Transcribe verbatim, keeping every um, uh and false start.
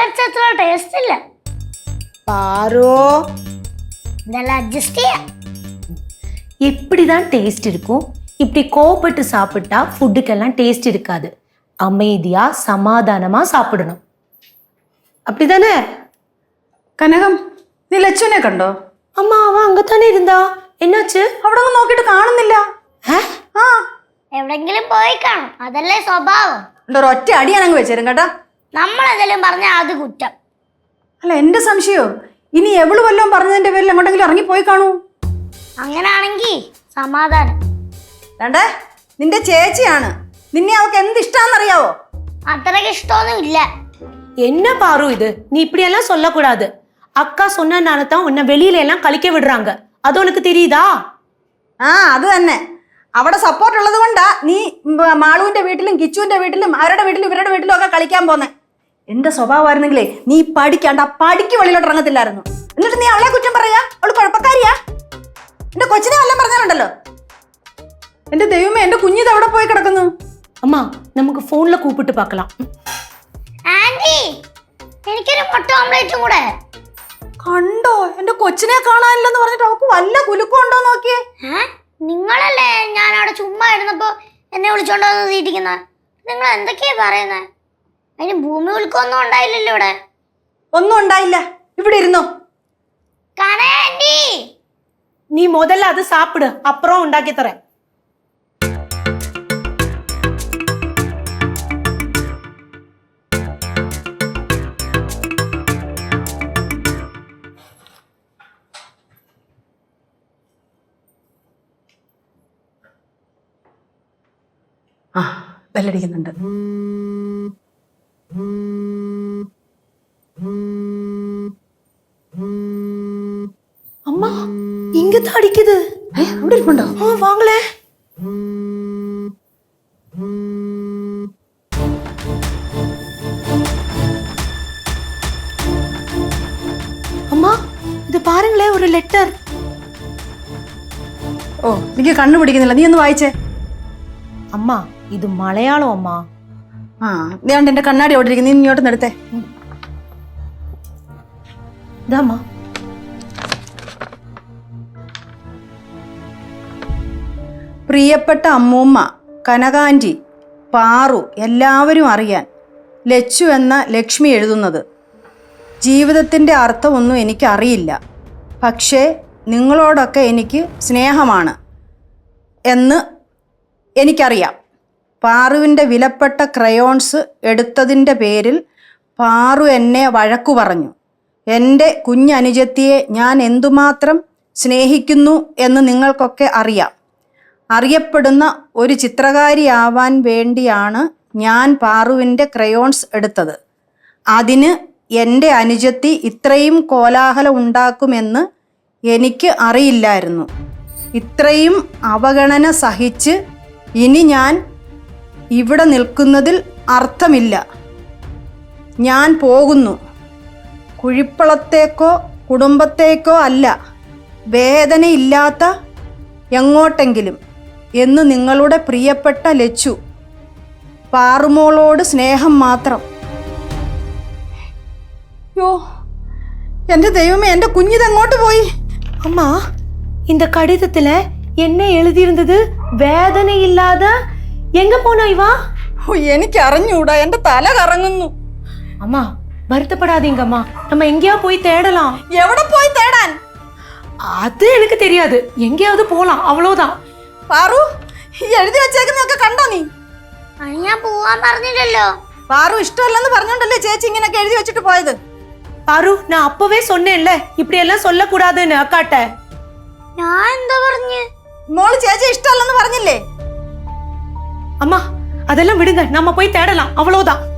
വെച്ച ടേസ്റ്റ് ഇല്ല. பாரு இதெல்லாம் அட்ஜஸ்ட் செய்ய எப்படிதான் டேஸ்ட் இருக்கும்? இப்படி கோபப்பட்டு சாப்பிட்டா ஃபுட்டுக்கெல்லாம் டேஸ்ட் இருக்காது. அமைதியா சமாதானமா சாப்பிடணும். அப்படிதானே? കനകം, നീ ലച്ചുവിനെ കണ്ടോ? അമ്മ അവ അങ്ങത്താനെ ഇരുന്നാ. എന്നാச்சு? അവിടെ ഒന്നും നോക്കിയിട്ട് കാണുന്നില്ല. ആ എവിടെങ്കിലും പോയി കാണും. അതല്ലേ സ്വഭാവം. ഒരൊറ്റ അടി ഞാനങ്ങ് വെച്ചേരും കേട്ടാ. നമ്മളെന്തെങ്കിലും പറഞ്ഞാൽ അത് കുറ്റം. അല്ല, എന്റെ സംശയോ ഇനി എവള് വല്ലതും പറഞ്ഞതിന്റെ പേരിൽ എങ്ങോട്ടെങ്കിലും ഇറങ്ങി പോയി കാണൂ. അങ്ങനാണെങ്കി സമാധാനം. വേണ്ടേ, നിന്റെ ചേച്ചിയാണ്. നിന്നെ അവൾക്ക് എന്ത് ഇഷ്ടാന്നറിയാവോ? അത്രയ്ക്ക് ഇഷ്ടമൊന്നും ഇല്ല. என்ன பாரு இது? நீ இப்படி எல்லாம் சொல்லக்கூடாது. அக்கா சொன்னனால தான் உன்னை வெளியில எல்லாம் கழிக்க விடுறாங்க. அது உனக்கு தெரியுதா? ആ അത് തന്നെ. അവിടെ സപ്പോർട്ട് ഉള്ളത് കൊണ്ടാ നീ മാളുവിന്റെ വീട്ടിലും കിച്ചുവിന്റെ വീട്ടിലും അവരുടെ വീട്ടിലും ഇവരുടെ വീട്ടിലും ഒക്കെ കളിക്കാൻ പോന്നെ. എന്റെ സ്വഭാവമായിരുന്നെങ്കിലേ നീ പഠിക്കാണ്ട് ആ പഠിക്ക് വെളിയിലോട്ട് ഇറങ്ങത്തില്ലായിരുന്നു. എന്നിട്ട് നീ അവളെ കുറ്റം പറയാ? അവള് കുഴപ്പക്കാരിയാ? എന്റെ കൊച്ചിനെ വല്ലതും പറഞ്ഞാലുണ്ടല്ലോ. എന്റെ ദൈവമേ, എന്റെ കുഞ്ഞിത് എവിടെ പോയി കിടക്കുന്നു? அம்மா நமக்கு போன்ல கூப்பிட்டு பார்க்கலாம். ആന്റി, എനിക്കൊരു മുട്ട ഓംലെറ്റും കൂടെ. കണ്ടോ, എന്റെ കൊച്ചിനെ കാണാനില്ലെന്ന് പറഞ്ഞിട്ട് അവൾക്ക് വല്ല കുലുക്കം ഉണ്ടോ നോക്കിയേ. നിങ്ങളല്ലേ ഞാൻ അവിടെ ചുമ്മാ ഇരുന്നപ്പോ എന്നെ വിളിച്ചോണ്ടോ തീറ്റിക്കുന്ന? നിങ്ങൾ എന്തൊക്കെയാ പറയുന്നത്? അതിന് ഭൂമി കുലുക്കൊന്നും ഉണ്ടായില്ലല്ലോ ഇവിടെ. ഒന്നും ഉണ്ടായില്ല. ഇവിടെ ഇരുന്നോ. ആന്റി, நீ முதல்ல அது சாப்பிடு, அப்புறம் உண்டாக்கி தரேன். ആ ബെല്ലടിക്കുന്നുണ്ട്. அம்மா இங்க தான் அடிக்குது. അവിടെ ഇരിപ്പുണ്ടോ? ஆ வாங்களே. அம்மா இது பாருங்களே, ஒரு லெட்டர். ഓ, എനിക്ക് കണ്ണു പിടിക്കുന്നില്ല. നീ ഒന്ന് വായിച്ചേ. அம்மா இது மலையாளம் அம்மா. ആ ഞാൻ എന്റെ കണ്ണാടി അവിടെ ഇരിക്കുന്നു. നീ ഇങ്ങോട്ട് എടുത്തേ. ഇതാമ്മ. പ്രിയപ്പെട്ട അമ്മൂമ്മ, കനകാന്റി, പാറു, എല്ലാവരും അറിയാൻ ലച്ചു എന്ന ലക്ഷ്മി എഴുതുന്നത്. ജീവിതത്തിൻ്റെ അർത്ഥമൊന്നും എനിക്കറിയില്ല. പക്ഷേ നിങ്ങളോടൊക്കെ എനിക്ക് സ്നേഹമാണ് എന്ന് എനിക്കറിയാം. പാറുവിൻ്റെ വിലപ്പെട്ട ക്രയോൺസ് എടുത്തതിൻ്റെ പേരിൽ പാറു എന്നെ വഴക്കു പറഞ്ഞു. എൻ്റെ കുഞ്ഞനുജത്തിയെ ഞാൻ എന്തുമാത്രം സ്നേഹിക്കുന്നു എന്ന് നിങ്ങൾക്കൊക്കെ അറിയാം. അറിയപ്പെടുന്ന ഒരു ചിത്രകാരിയാവാൻ വേണ്ടിയാണ് ഞാൻ പാറുവിൻ്റെ ക്രയോൺസ് എടുത്തത്. അതിന് എൻ്റെ അനുജത്തി ഇത്രയും കോലാഹലം ഉണ്ടാക്കുമെന്ന് എനിക്ക് അറിയില്ലായിരുന്നു. ഇത്രയും അവഗണന സഹിച്ച് ഇനി ഞാൻ ഇവിടെ നിൽക്കുന്നതിൽ അർത്ഥമില്ല. ഞാൻ പോകുന്നു. കുഴിപ്പളത്തേക്കോ കുടുംബത്തേക്കോ അല്ല, വേദനയില്ലാത്ത എങ്ങോട്ടെങ്കിലും എന്ന് നിങ്ങളുടെ പ്രിയപ്പെട്ട ലച്ചു. പാറുമോളോട് സ്നേഹം മാത്രം. യോ, എൻ്റെ ദൈവമേ, എൻ്റെ കുഞ്ഞിതെങ്ങോട്ട് പോയി? அம்மா இந்த கடிதத்துல என்ன எழுதியிருந்தது? வேதனை இல்லாத. எங்க போனா இவா? എനിക്ക് അറിഞ്ഞൂടാ, എൻ്റെ തല കറങ്ങുന്നു. அம்மா வருத்தப்படாதீங்கம்மா, நம்ம எங்கேயா போய் தேடலாம். എവിടെ പോയി തേടാൻ? அது எனக்கு தெரியாது. எங்கேயாவது போலாம், அவ்வளவுதான். പാറു, ഈ എഴുതി വെച്ചേക്കുന്നൊക്കെ കണ്ടോ നീ? അത് ഞാൻ പോവാൻ പറഞ്ഞില്ലല്ലോ. പാറു ഇഷ്ടമല്ലെന്ന് പറഞ്ഞോണ്ടല്ലേ ചേച്ചി ഇങ്ങനെയൊക്കെ എഴുതി വെച്ചിട്ട് പോയത്? பாரு, நான் அப்பவே சொன்னேன்ல இப்படி எல்லாம் சொல்லக்கூடாதுன்னு அக்காட்ட. ഞാൻ എന്താ പറഞ്ഞു? മോള് ചേച്ചി ഇഷ്ടമല്ലെന്ന് പറഞ്ഞില്ലേ? அம்மா அதெல்லாம் விடுங்க, நம்ம போய் தேடலாம், அவ்வளவுதான்.